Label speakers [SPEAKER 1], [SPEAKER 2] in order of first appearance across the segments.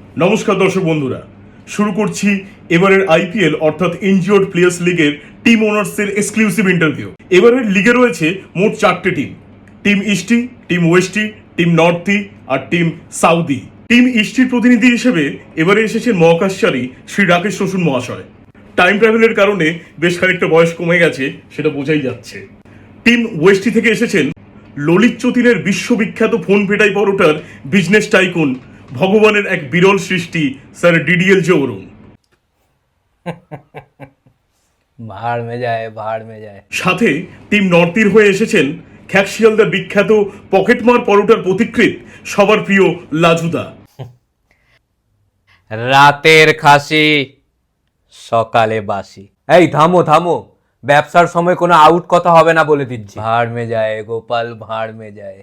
[SPEAKER 1] নমস্কার দর্শক বন্ধুরা, শুরু করছি এবারের আইপিএল অর্থাৎ ইনজিওর্ড প্লেয়ার্স লিগের টিম ওনার্সের এক্সক্লুসিভ ইন্টারভিউ। এবারের লিগে রয়েছে মোট 4টে team: team Easty, team Westy, team Northy আর টিম সাউদি। টিম ইস্টির প্রতিনিধি হিসেবে এবারে এসেছেন মহাকাশচারী শ্রী রাকেশ রসুন মহাশয়। টাইম ট্রাভেলের কারণে বেশ খানিকটা বয়স কমে গেছে, সেটা বোঝাই যাচ্ছে। টিম ওয়েস্টি থেকে এসেছেন ললিত চতিনের বিশ্ববিখ্যাত ফোন পেটাই পরোটার বিজনেস টাইকুন, ভগবানের এক বিরল সৃষ্টি স্যার ডিডিএল জে অরুণ।
[SPEAKER 2] ভাড় মে যায়, ভাড় মে যায়।
[SPEAKER 1] সাথে টিম নর্থের হয়ে এসেছেন খ্যাকশিয়ালদার বিখ্যাত পকেটমার পরোটার পথিকৃৎ, সবার প্রিয় লাজুদা।
[SPEAKER 2] রাতের খাসি সকালে বাসি। এই থামো থামো, ব্যবসার সময় কোনো আউট কথা হবে না বলে দিচ্ছি। ভাড় মে যায় গোপাল, ভাড় মে যায়।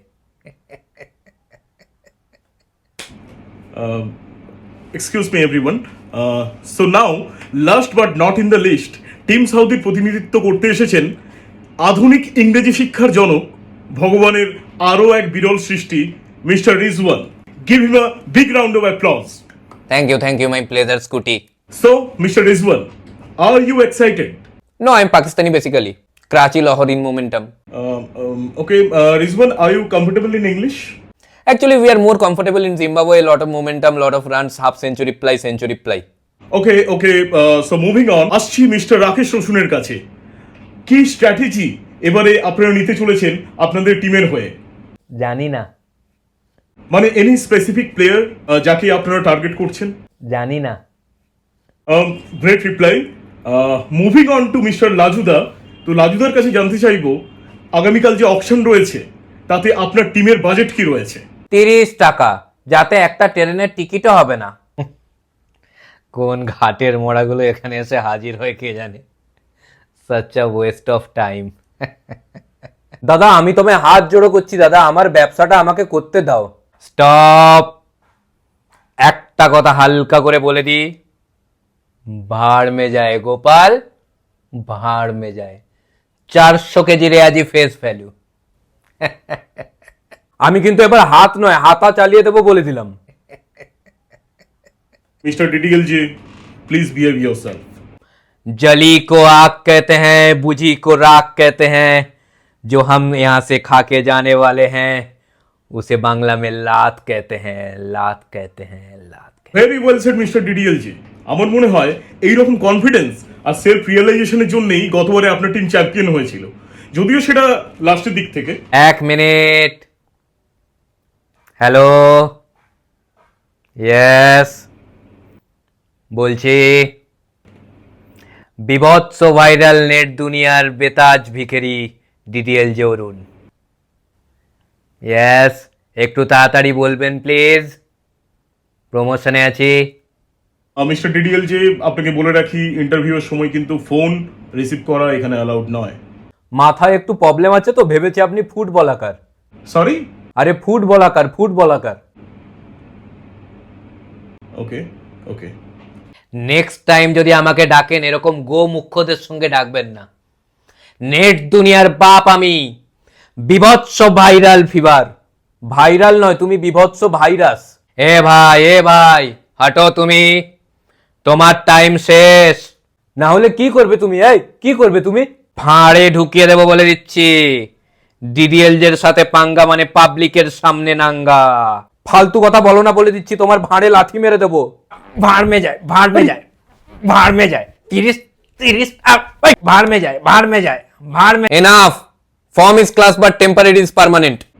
[SPEAKER 1] Excuse me everyone. So now, last but not in the list, team সাউদির প্রতিনিধিত্ব করতে এসেছেন আধুনিক ইংরেজি শিক্ষার জনক, ভগবানের আরও এক বিরল সৃষ্টি mister Rizwan. Give him a big round of applause.
[SPEAKER 2] Thank you my pleasure scooty.
[SPEAKER 1] So, Mr. Rizwan, are you excited?
[SPEAKER 2] No, I'm Pakistani basically. Karachi, Lahore in momentum.
[SPEAKER 1] Okay, Rizwan, are you comfortable in English?
[SPEAKER 2] Actually, we are more comfortable in Zimbabwe. Lot of momentum, lot of runs, half century ply.
[SPEAKER 1] Okay, so moving on, আসছি mister Rakesh রসুনের কাছে। কি strategy এবারে আপনারা নিতে চলেছেন আপনাদের টিমের হয়ে?
[SPEAKER 2] জানি না,
[SPEAKER 1] মানে এনি স্পেসিফিক প্লেয়ার যাকে আপনারা টার্গেট করছেন?
[SPEAKER 2] জানি না।
[SPEAKER 1] Great reply. Moving on to mister লাজুদা। তো লাজুদার কাছে জানতে চাইবো, আগামীকাল যে অপশন রয়েছে তাতে আপনার টিমের বাজেট কি রয়েছে?
[SPEAKER 2] 30 টাকা, যাতে একটা ট্রেনের টিকিটও হবে না। কোন ঘাটের মোড়াগুলো এখানে এসে হাজির হয় কে জানে। Such a waste of time. দাদা, আমি তোমায় হাত জোড়ো করছি দাদা, আমার ব্যবসাটা আমাকে করতে দাও। স্টপ। একটা কথা হালকা করে বলে দি, ভাড় মে যায় গোপাল, ভাড় মে যায়। 400 কেজি রেয়াজি ফেস ভ্যালু। আমি কিন্তু এবার হাত নয় হাতা চালিয়ে দেবো বলে দিলাম।
[SPEAKER 1] Mister DDL ji, please behave yourself.
[SPEAKER 2] जली को आग कहते हैं, बुझी को राख कहते हैं, जो हम यहाँ से खा के जाने वाले हैं उसे बांग्ला में लात कहते हैं, लात कहते हैं, लात कहते
[SPEAKER 1] very well said mister DDL ji. আমার মনে হয় এইরকম কনফিডেন্স আর সেলফ রিয়েলাইজেশনের জন্যই গতবারে আপনার টিম চ্যাম্পিয়ন হয়েছিল, যদিও সেটা লাস্টের দিক থেকে।
[SPEAKER 2] हैं। एक मिनट। हेलो, यस বলছি। বিভৎস ভাইরাল নেট দুনিয়ার বেতাজ ভিখারি ডিডিএল জে অরুণ। ইয়েস, একটু তাড়াতাড়ি বলবেন প্লিজ, প্রমোশনে আছি।
[SPEAKER 1] মিস্টার ডিডিএল জি, আপনাকে বলে রাখি, ইন্টারভিউয়ের সময় কিন্তু ফোন রিসিভ করা এখানে অ্যালাউড নয়।
[SPEAKER 2] মাথায় একটু প্রবলেম আছে তো ভেবেছি আপনি ফুটবলাকার।
[SPEAKER 1] সরি?
[SPEAKER 2] আরে ফুটবলাকার।
[SPEAKER 1] ওকে ওকে।
[SPEAKER 2] নেক্সট টাইম যদি আমাকে ডাকেন এরকম গো মুখ্যদের সঙ্গে ডাকবেন না। নেট দুনিয়ার বাপ আমি, বিভৎস ভাইরাল ফিভার। ভাইরাল নয়, তুমি বিভৎস ভাইরাস। এ ভাই হাঁটো তুমি, তোমার টাইম শেষ। না হলে কি করবে তুমি? কি করবে তুমি? ফাঁড়ে ঢুকিয়ে দেবো বলে দিচ্ছি। ডিডিএল এর সাথে পাঙ্গা মানে পাবলিকের সামনে নাঙ্গা। ফালতু কথা বলো না বলে দিচ্ছি, তোমার ভাঁড়ে লাথি মেরে দেবো। ভাড় মে যায়। 30 ভাড় মে যায়। Enough. Form is class but temper it is permanent.